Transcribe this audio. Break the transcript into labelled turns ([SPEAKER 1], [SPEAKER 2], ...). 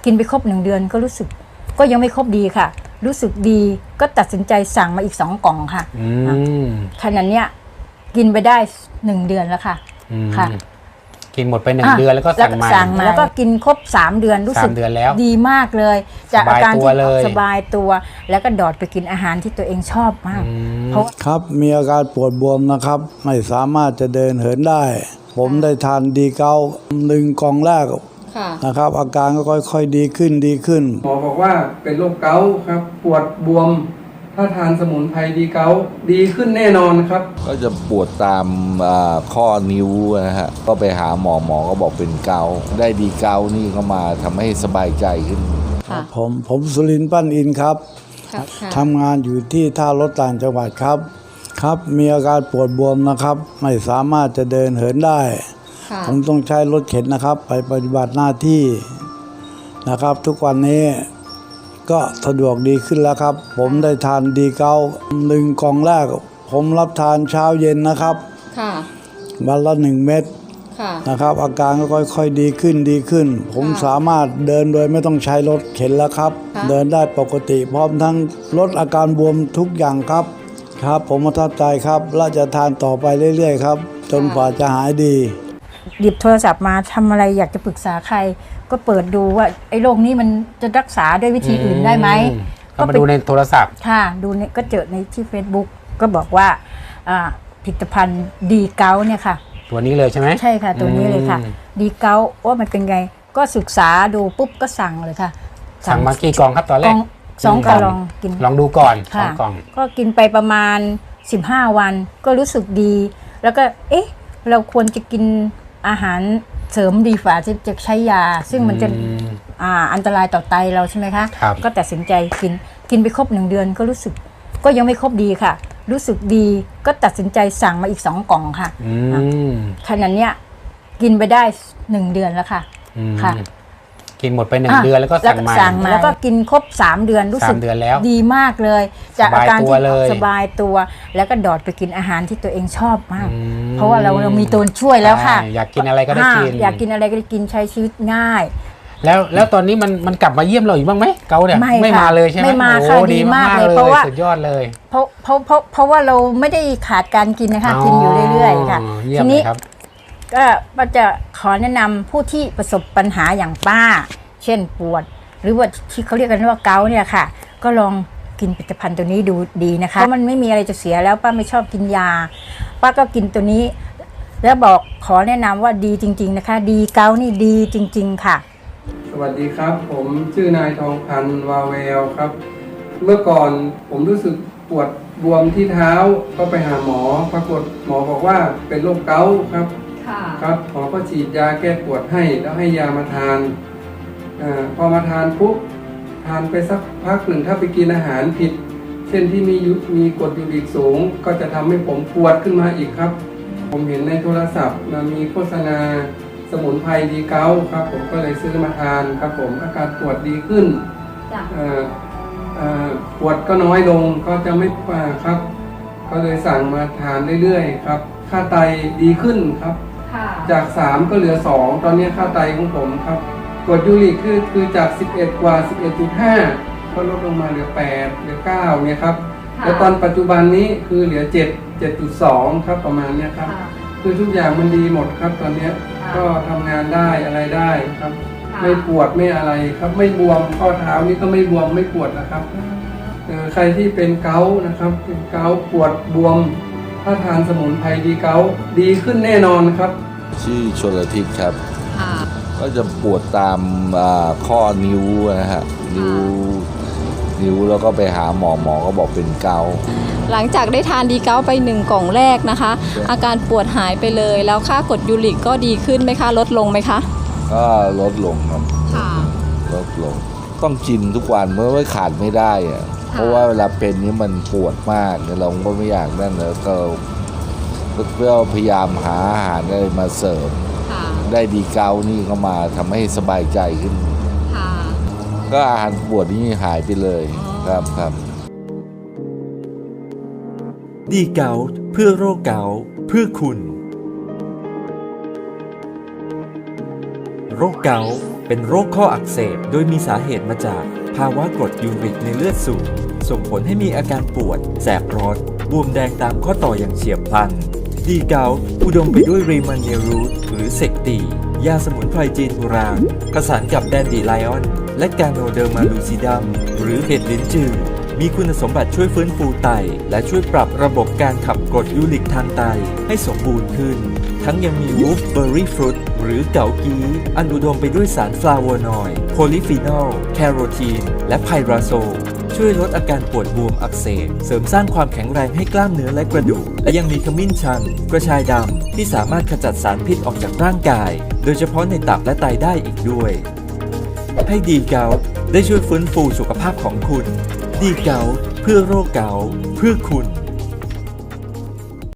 [SPEAKER 1] กินไปครบ1 เดือนก็รู้สึกก็ยังไม่ครบดีค่ะรู้สึกดีก็ตัดสินใจสั่งมาอีก2 กล่องค่ะขนาดเนี้ยกินไปได้1 เดือนแล้วค่ะค่ะ
[SPEAKER 2] กินหมดไป1 เดือนแล้วก็สั่งมา
[SPEAKER 1] แล้วก็กินครบ3 เดือนรู้สึกดีมากเลยจากอาการที่สบายตัวแล้วก็ดอดไปกินอาหารที่ตัวเองชอบมากเพราะ
[SPEAKER 3] ครับมีอาการปวดบวมนะครับไม่สามารถจะเดินเหินได้ผมได้ทานดีเกา1 กล่องแรกนะครับอาการก็ค่อยๆดีขึ้น
[SPEAKER 4] หมอบอกว่าเป็นโรคเกาต์ครับปวดบวมถ้าทานสมุนไพรดีเกาต์ดีขึ้นแน่นอนครับ
[SPEAKER 5] ก็จะปวดตามข้อนิ้วนะฮะก็ไปหาหมอก็บอกเป็นเกาต์ได้ดีเกาต์นี่ก็มาทำให้สบายใจขึ้น
[SPEAKER 3] ผมสุรินทร์ปั้นอินครับทำงานอยู่ที่ท่ารถต่างจังหวัดครับมีอาการปวดบวมนะครับไม่สามารถจะเดินเหินได้ผมต้องใช้รถเข็นนะครับไปปฏิบัติหน้าที่นะครับทุกวันนี้ก็สะดวกดีขึ้นแล้วครับผมได้ทานดีเกา1 กล่องแรกผมรับทานเช้าเย็นนะครับวันละ1 เม็ดนะครับอาการก็ค่อยๆดีขึ้นผมสามารถเดินโดยไม่ต้องใช้รถเข็นแล้วครับเดินได้ปกติพร้อมทั้งลดอาการบวมทุกอย่างครับผมประทับใจครับและจะทานต่อไปเรื่อยๆครับจนกว่าจะหายดี
[SPEAKER 1] หยิบโทรศัพท์มาทำอะไรอยากจะปรึกษาใครก็เปิดดูว่าไอ้โรคนี้มันจะรักษาด้วยวิธีอื่นได้ไหม
[SPEAKER 2] ก็มาดูในโทรศัพท์
[SPEAKER 1] ค่ะดูเนี่ยก็เจอในที่ Facebook ก็บอกว่าผลิตภัณฑ์ดีเกาเนี่ยค่ะ
[SPEAKER 2] ตัวนี้เลยใช่ไหม
[SPEAKER 1] ใช่ค่ะตัวนี้เลยค่ะดีเกาว่ามันเป็นไงก็ศึกษาดูปุ๊บก็สั่งเลยค่ะ
[SPEAKER 2] สั่งมากี่กล่องครับตอนแรก
[SPEAKER 1] 2 กล่องกิน
[SPEAKER 2] ลองดูก่อน2 กล่อง
[SPEAKER 1] ก็กินไปประมาณ15 วันก็รู้สึกดีแล้วก็เราควรจะกินอาหารเสริมดีฝ่าที่จะใช้ยาซึ่งมันจะอันตรายต่อไตเราใช่ไหมคะก็ตัดสินใจกินไปครบ1 เดือนก็รู้สึกก็ยังไม่ครบดีค่ะรู้สึกดีก็ตัดสินใจสั่งมาอีก2 กล่องค่ะขนาดเนี้ยกินไปได้1 เดือนแล้วค่ะ
[SPEAKER 2] กินหมดไป1 เดือนแล้วก็สั่งมา
[SPEAKER 1] แล้วก็กินครบ3 เดือนรู้สึกดีมากเลยจากอาการที่สบายตัวแล้วก็ดอดไปกินอาหารที่ตัวเองชอบมากเพราะว่าเรามีตัวช่วยแล้วค่ะ
[SPEAKER 2] อยากกินอะไรก็ได้กิน
[SPEAKER 1] อยากกินอะไรก็ได้กินใช้ชีวิตง่าย
[SPEAKER 2] แล้วตอนนี้มันกลับมาเยี่ยมเราอีกบ้างไหมเกาเนี่ยไม่มาเลยใช่ไหม
[SPEAKER 1] ไม่มาค่ะดีมากเลยเพราะว่า
[SPEAKER 2] สุดยอดเลย
[SPEAKER 1] เพราะว่าเราไม่ได้ขาดการกินนะคะกินอยู่เรื่อยๆค่ะทีนี้ก็ป้าจะขอแนะนำผู้ที่ประสบปัญหาอย่างป้าเช่นปวดหรือว่าที่เขาเรียกกันว่าเกาเนี่ยค่ะก็ลองกินผลิตภัณฑ์ตัวนี้ดูดีนะคะเพราะมันไม่มีอะไรจะเสียแล้วป้าไม่ชอบกินยาป้าก็กินตัวนี้แล้วบอกขอแนะนำว่าดีจริงๆนะคะดีเกานี่ดีจริงๆค่ะ
[SPEAKER 4] สวัสดีครับผมชื่อนายทองพันธ์วาเวลครับเมื่อก่อนผมรู้สึกปวดบวมที่เท้าก็ไปหาหมอปรากฏหมอบอกว่าเป็นโรคเกาต์ครับหมอก็ฉีดยาแก้ปวดให้แล้วให้ยามาทานพอมาทานปุ๊บทานไปสักพักหนึ่งถ้าไปกินอาหารผิดเช่นที่มีกรดยูริกสูงก็จะทำให้ผมปวดขึ้นมาอีกครับผมเห็นในโทรศัพท์มีโฆษณาสมุนไพรดีเกาต์ครับผมก็เลยซื้อมาทานครับผมอาการปวดดีขึ้นปวดก็น้อยลงก็จะไม่ครับก็เลยสั่งมาทานเรื่อยๆครับค่าไตดีขึ้นครับจาก3ก็เหลือ2ตอนนี้ค่าไตของผมครับกรดยูริกคือจาก11กว่า 11.5 ก็ลดลงมาเหลือ8เหลือ9เนี่ยครับแล้วตอนปัจจุบันนี้คือเหลือ7.2 ครับประมาณนี้ครับคือทุกอย่างมันดีหมดครับตอนนี้ก็ทำงานได้อะไรได้ครับไม่ปวดไม่อะไรครับไม่บวมข้อเท้านี่ก็ไม่บวมไม่ปวดนะครับใครที่เป็นเกาต์นะครับเป็นเกาต์ปวดบวมถ้าทานสมุนไพรดีเกาต์ดีขึ้นแน่นอนครับ
[SPEAKER 5] ชื่อชลทิศครับก็จะปวดตามข้อนิ้วนะฮะนิ้วแล้วก็ไปหาหมอก็บอกเป็นเกาต์
[SPEAKER 6] หลังจากได้ทานดีเกาต์ไป1 กล่องแรกนะคะอาการปวดหายไปเลยแล้วค่ากรดยูริกก็ดีขึ้นไหมคะลดลงไหมคะ
[SPEAKER 5] ก็ลดลงครับลดลงต้องกินทุกวันเมื่อไม่ขาดไม่ได้อะเพราะว่าเวลาเป็นนี้มันปวดมากเราก็ไม่อยากนั่นแล้วก็เพื่อพยายามหาอาหารอะไรมาเสริมได้ดีเกาต์นี่ก็มาทำให้สบายใจขึ้นก็อาหารปวดนี่หายไปเลยครับ
[SPEAKER 7] ดีเกาต์เพื่อโรคเกาต์เพื่อคุณโรคเกาต์เป็นโรคข้ออักเสบโดยมีสาเหตุมาจากภาวะกรดยูริกในเลือดสูงส่งผลให้มีอาการปวดแสบร้อนบวมแดงตามข้อต่ออย่างเฉียบพลันดีเกาต์อุดมไปด้วยรีมันเยรูทหรือเซกตียาสมุนไพรจีนโบราณผสานกับแดนดีไลออนและกาโนเดอร์มาลูซิดัมหรือเห็ดลิ้นจือมีคุณสมบัติช่วยฟื้นฟูไตและช่วยปรับระบบการขับกรดยูริกทางไตให้สมบูรณ์ขึ้นทั้งยังมีวูฟเบอร์รี่ฟรุตหรือเกากีอันอุดมไปด้วยสารฟลาโวนอยด์โพลีฟีนอลแคโรทีนและไพราโซลช่วยลดอาการปวดบวมอักเสบเสริมสร้างความแข็งแรงให้กล้ามเนื้อและกระดูกและยังมีขมิ้นชันกระชายดำที่สามารถขจัดสารพิษออกจากร่างกายโดยเฉพาะในตับและไตได้อีกด้วยให้ดีเกาต์ได้ช่วยฟื้นฟูสุขภาพของคุณดีเกาต์เพื่อโรคเกาต์เพื่อคุณ